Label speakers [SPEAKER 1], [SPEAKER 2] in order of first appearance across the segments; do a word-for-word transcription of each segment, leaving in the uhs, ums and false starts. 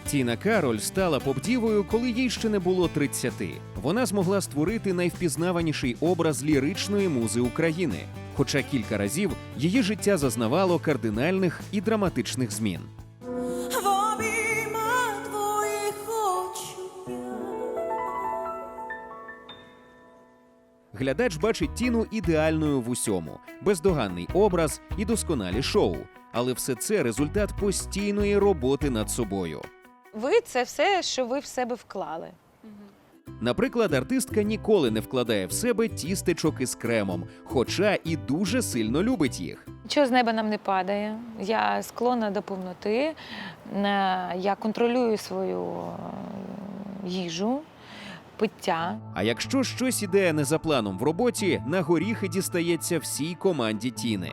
[SPEAKER 1] Тіна Кароль стала поп-дівою, коли їй ще не було тридцяти. Вона змогла створити найвпізнаваніший образ ліричної музи України. Хоча кілька разів її життя зазнавало кардинальних і драматичних змін.
[SPEAKER 2] В обіймах твоїх хочу я.
[SPEAKER 1] Глядач бачить Тіну ідеальною в усьому, бездоганний образ і досконалі шоу. Але все це результат постійної роботи над собою.
[SPEAKER 3] Ви – це все, що ви в себе вклали.
[SPEAKER 1] Наприклад, артистка ніколи не вкладає в себе тістечок із кремом, хоча і дуже сильно любить їх.
[SPEAKER 3] Нічого з неба нам не падає. Я склонна до повноти. Е, Я контролюю свою е, їжу, пиття.
[SPEAKER 1] А якщо щось іде не за планом в роботі, на горіхи дістається всій команді Тіни.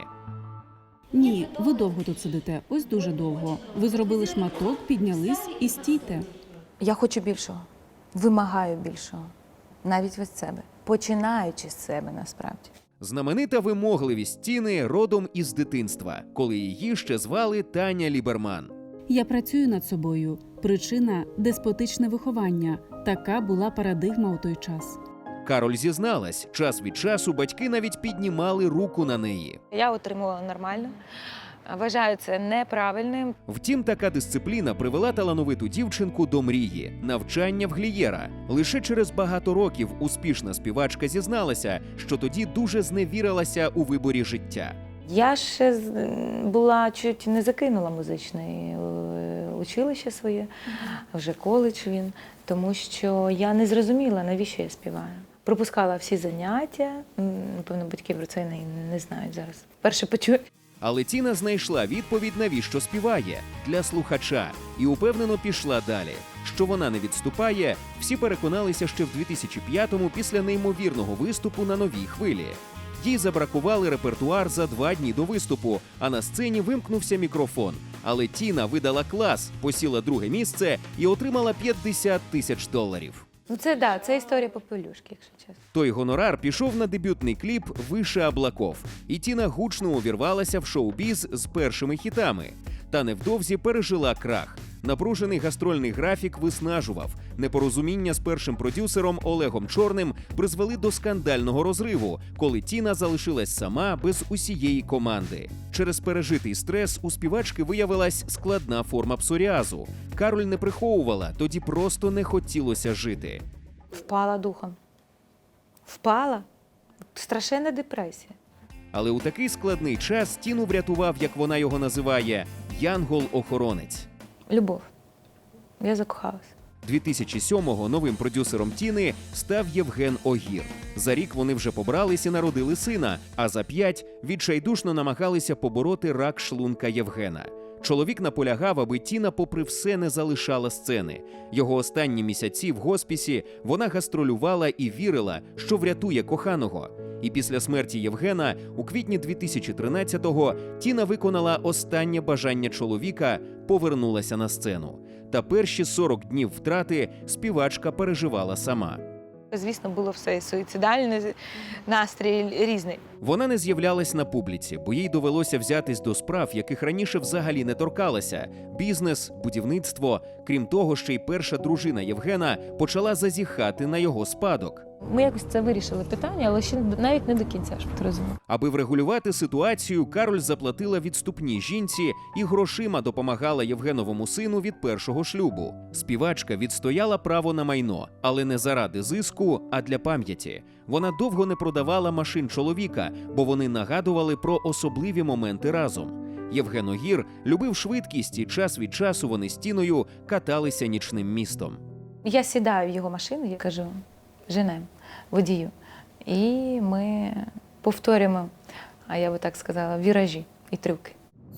[SPEAKER 4] Ні, ви довго тут сидите, ось дуже довго. Ви зробили шматок, піднялись і стійте.
[SPEAKER 5] Я хочу більшого, вимагаю більшого, навіть від себе, починаючи з себе насправді.
[SPEAKER 1] Знаменита вимогливість Тіни родом із дитинства, коли її ще звали Таня Ліберман.
[SPEAKER 4] Я працюю над собою. Причина – деспотичне виховання. Така була парадигма у той час.
[SPEAKER 1] Кароль зізналась, час від часу батьки навіть піднімали руку на неї.
[SPEAKER 3] Я отримувала нормально. Вважаю це неправильним.
[SPEAKER 1] Втім, така дисципліна привела талановиту дівчинку до мрії – навчання в Глієра. Лише через багато років успішна співачка зізналася, що тоді дуже зневірилася у виборі життя.
[SPEAKER 5] Я ще з- була чуть не закинула музичне е, училище своє, вже коледж він, тому що я не зрозуміла, навіщо я співаю. Пропускала всі заняття, М, напевно, батьки про це не, не знають зараз. Перше почую.
[SPEAKER 1] Але Тіна знайшла відповідь, навіщо співає – для слухача, і упевнено пішла далі. Що вона не відступає, всі переконалися ще в дві тисячі п'ятому після неймовірного виступу на Новій хвилі. Їй забракували репертуар за два дні до виступу, а на сцені вимкнувся мікрофон. Але Тіна видала клас, посіла друге місце і отримала п'ятдесят тисяч доларів.
[SPEAKER 5] Ну це да, це історія попелюшки, якщо чесно.
[SPEAKER 1] Той гонорар пішов на дебютний кліп «Више облаков», і Тіна гучно увірвалася в шоу-біз з першими хітами. Та невдовзі пережила крах. Напружений гастрольний графік виснажував. Непорозуміння з першим продюсером Олегом Чорним призвели до скандального розриву, коли Тіна залишилась сама без усієї команди. Через пережитий стрес у співачки виявилась складна форма псоріазу. Кароль не приховувала, тоді просто не хотілося жити.
[SPEAKER 5] Впала духом. Впала. Страшенна депресія.
[SPEAKER 1] Але у такий складний час Тіну врятував, як вона його називає, янгол-охоронець.
[SPEAKER 5] Любов. Я закохалась.
[SPEAKER 1] дві тисячі сьомого новим продюсером Тіни став Євген Огір. За рік вони вже побрались і народили сина, а за п'ять відчайдушно намагалися побороти рак шлунка Євгена. Чоловік наполягав, аби Тіна попри все не залишала сцени. Його останні місяці в госпісі вона гастролювала і вірила, що врятує коханого. І після смерті Євгена у квітні дві тисячі тринадцятого Тіна виконала останнє бажання чоловіка, повернулася на сцену. Та перші сорок днів втрати співачка переживала сама.
[SPEAKER 3] Звісно, було все суїцидальне, настрій різний.
[SPEAKER 1] Вона не з'являлась на публіці, бо їй довелося взятись до справ, яких раніше взагалі не торкалася – бізнес, будівництво. Крім того, ще й перша дружина Євгена почала зазіхати на його спадок.
[SPEAKER 5] Ми якось це вирішили питання, але ще навіть не до кінця, щоб ти розумів.
[SPEAKER 1] Аби врегулювати ситуацію, Кароль заплатила відступні жінці і грошима допомагала Євгеновому сину від першого шлюбу. Співачка відстояла право на майно, але не заради зиску, а для пам'яті. Вона довго не продавала машин чоловіка, бо вони нагадували про особливі моменти разом. Євген Огір любив швидкість, і час від часу вони з Тіною каталися нічним містом.
[SPEAKER 5] Я сідаю в його машину, я кажу, женем, водію. І ми повторюємо, а я би так сказала, віражі і трюки.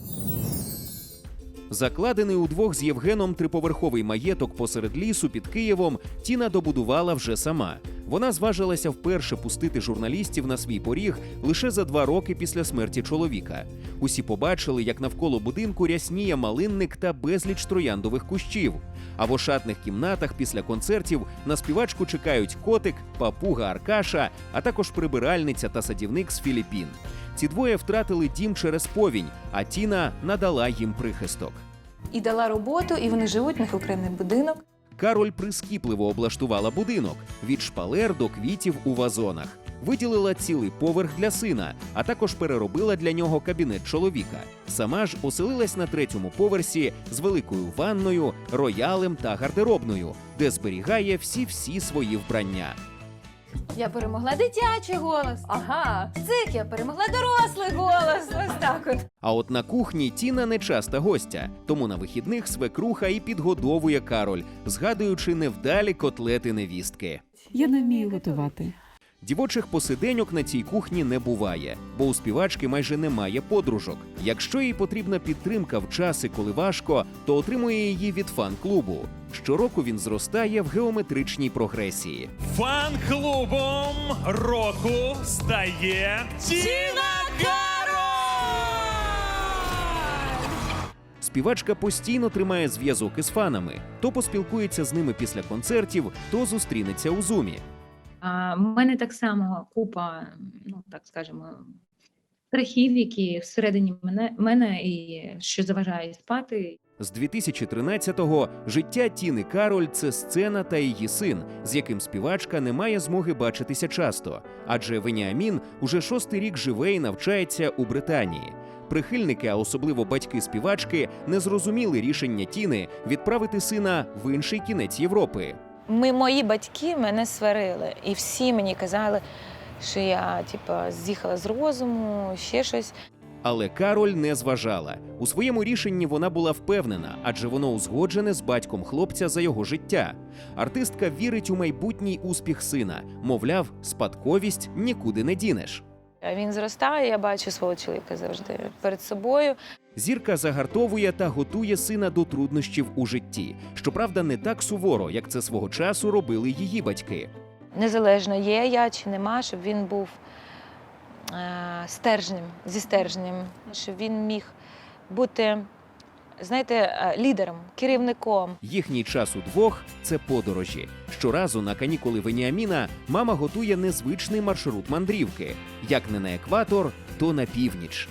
[SPEAKER 1] Закладений удвох з Євгеном триповерховий маєток посеред лісу під Києвом Тіна добудувала вже сама. Вона зважилася вперше пустити журналістів на свій поріг лише за два роки після смерті чоловіка. Усі побачили, як навколо будинку рясніє малинник та безліч трояндових кущів. А в ошатних кімнатах після концертів на співачку чекають котик, папуга Аркаша, а також прибиральниця та садівник з Філіппін. Ці двоє втратили дім через повінь, а Тіна надала їм прихисток.
[SPEAKER 6] І дала роботу, і вони живуть, у них окремий будинок.
[SPEAKER 1] Кароль прискіпливо облаштувала будинок від шпалер до квітів у вазонах. Виділила цілий поверх для сина, а також переробила для нього кабінет чоловіка. Сама ж оселилась на третьому поверсі з великою ванною, роялем та гардеробною, де зберігає всі-всі свої вбрання.
[SPEAKER 6] Я перемогла дитячий голос. Ага, цик, я перемогла дорослий голос. Ось так от.
[SPEAKER 1] А от на кухні Тіна не часта гостя, тому на вихідних свекруха і підгодовує Кароль, згадуючи невдалі котлети невістки.
[SPEAKER 4] Я не вмію готувати.
[SPEAKER 1] Дівочих посиденьок на цій кухні не буває, бо у співачки майже немає подружок. Якщо їй потрібна підтримка в часи, коли важко, то отримує її від фан-клубу. Щороку він зростає в геометричній прогресії.
[SPEAKER 7] Фан-клубом року стає Тіна Кароль!
[SPEAKER 1] Співачка постійно тримає зв'язок із фанами, то поспілкується з ними після концертів, то зустрінеться у зумі.
[SPEAKER 8] А в мене так само купа, ну так скажемо, страхів, які всередині мене, мене і що заважає спати.
[SPEAKER 1] З дві тисячі тринадцятого життя Тіни Кароль – це сцена та її син, з яким співачка не має змоги бачитися часто, адже Веніамін уже шостий рік живе і навчається у Британії. Прихильники, а особливо батьки співачки, не зрозуміли рішення Тіни відправити сина в інший кінець Європи.
[SPEAKER 5] Ми, мої батьки мене сварили, і всі мені казали, що я типа, з'їхала з розуму, ще щось.
[SPEAKER 1] Але Кароль не зважала. У своєму рішенні вона була впевнена, адже воно узгоджене з батьком хлопця за його життя. Артистка вірить у майбутній успіх сина. Мовляв, спадковість нікуди не дінеш.
[SPEAKER 5] А він зростає, я бачу свого чоловіка завжди перед собою.
[SPEAKER 1] Зірка загартовує та готує сина до труднощів у житті. Щоправда, не так суворо, як це свого часу робили її батьки.
[SPEAKER 5] Незалежно є я чи нема, щоб він був е- стержнем, зі стержнем, щоб він міг бути, знаєте, е, лідером, керівником.
[SPEAKER 1] Їхній час удвох – це подорожі. Щоразу на канікули Веніаміна мама готує незвичний маршрут мандрівки. Як не на екватор, то на північ.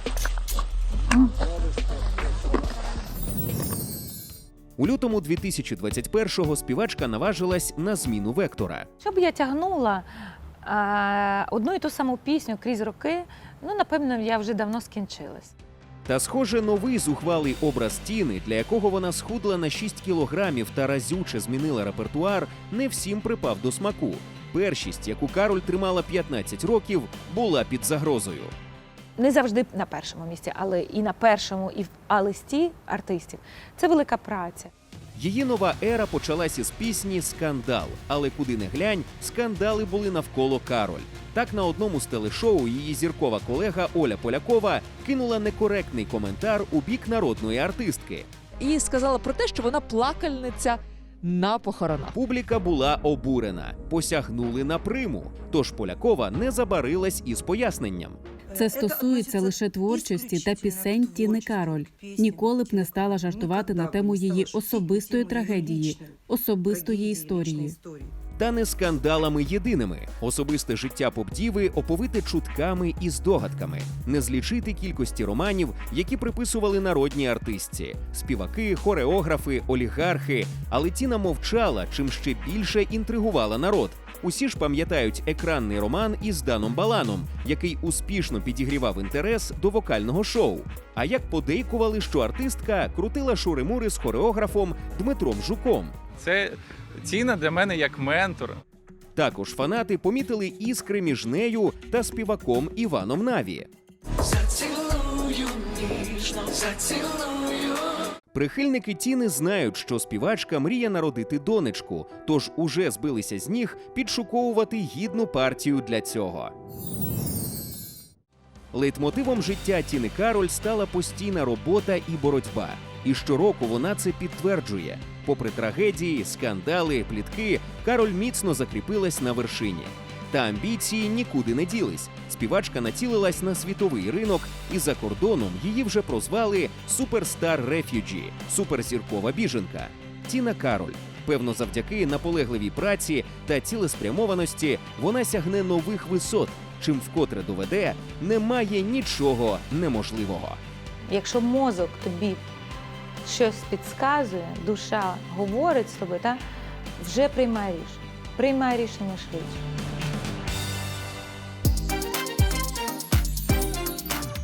[SPEAKER 1] У лютому дві тисячі двадцять першого співачка наважилась на зміну вектора.
[SPEAKER 5] Щоб я тягнула е- одну і ту саму пісню крізь роки, ну, напевно, я вже давно скінчилась.
[SPEAKER 1] Та, схоже, новий зухвалий образ Тіни, для якого вона схудла на шість кілограмів та разюче змінила репертуар, не всім припав до смаку. Першість, яку Кароль тримала п'ятнадцять років, була під загрозою.
[SPEAKER 5] Не завжди на першому місці, але і на першому, і в А-листі артистів. Це велика праця.
[SPEAKER 1] Її нова ера почалась із пісні «Скандал», але куди не глянь, скандали були навколо Кароль. Так, на одному з телешоу її зіркова колега Оля Полякова кинула некоректний коментар у бік народної артистки.
[SPEAKER 9] І сказала про те, що вона плакальниця на похоронах.
[SPEAKER 1] Публіка була обурена, посягнули на приму, тож Полякова не забарилась із поясненням.
[SPEAKER 4] Це стосується лише творчості та пісень Тіни Кароль. Ніколи б не стала жартувати на тему її особистої трагедії, особистої історії.
[SPEAKER 1] Та не скандалами єдиними. Особисте життя поп-діви оповите чутками і здогадками. Не злічити кількості романів, які приписували народній артистці. Співаки, хореографи, олігархи. Але Тіна мовчала, чим ще більше інтригувала народ. Усі ж пам'ятають екранний роман із Даном Баланом, який успішно підігрівав інтерес до вокального шоу. А як подейкували, що артистка крутила шури-мури з хореографом Дмитром Жуком.
[SPEAKER 10] Це Тіна для мене як ментор.
[SPEAKER 1] Також фанати помітили іскри між нею та співаком Іваном Наві.
[SPEAKER 2] Зацілую ніжно, зацілую.
[SPEAKER 1] Прихильники Тіни знають, що співачка мріє народити донечку, тож уже збилися з ніг підшуковувати гідну партію для цього. Лейтмотивом життя Тіни Кароль стала постійна робота і боротьба. І щороку вона це підтверджує. Попри трагедії, скандали, плітки, Кароль міцно закріпилась на вершині. Та амбіції нікуди не ділись. Співачка націлилась на світовий ринок, і за кордоном її вже прозвали «Суперстар Рефюджі» – суперзіркова біженка. Тіна Кароль. Певно, завдяки наполегливій праці та цілеспрямованості вона сягне нових висот, чим вкотре доведе, немає нічого неможливого.
[SPEAKER 5] Якщо мозок тобі щось підказує, душа говорить з тобою, та вже приймай рішення. Приймай рішення швидше.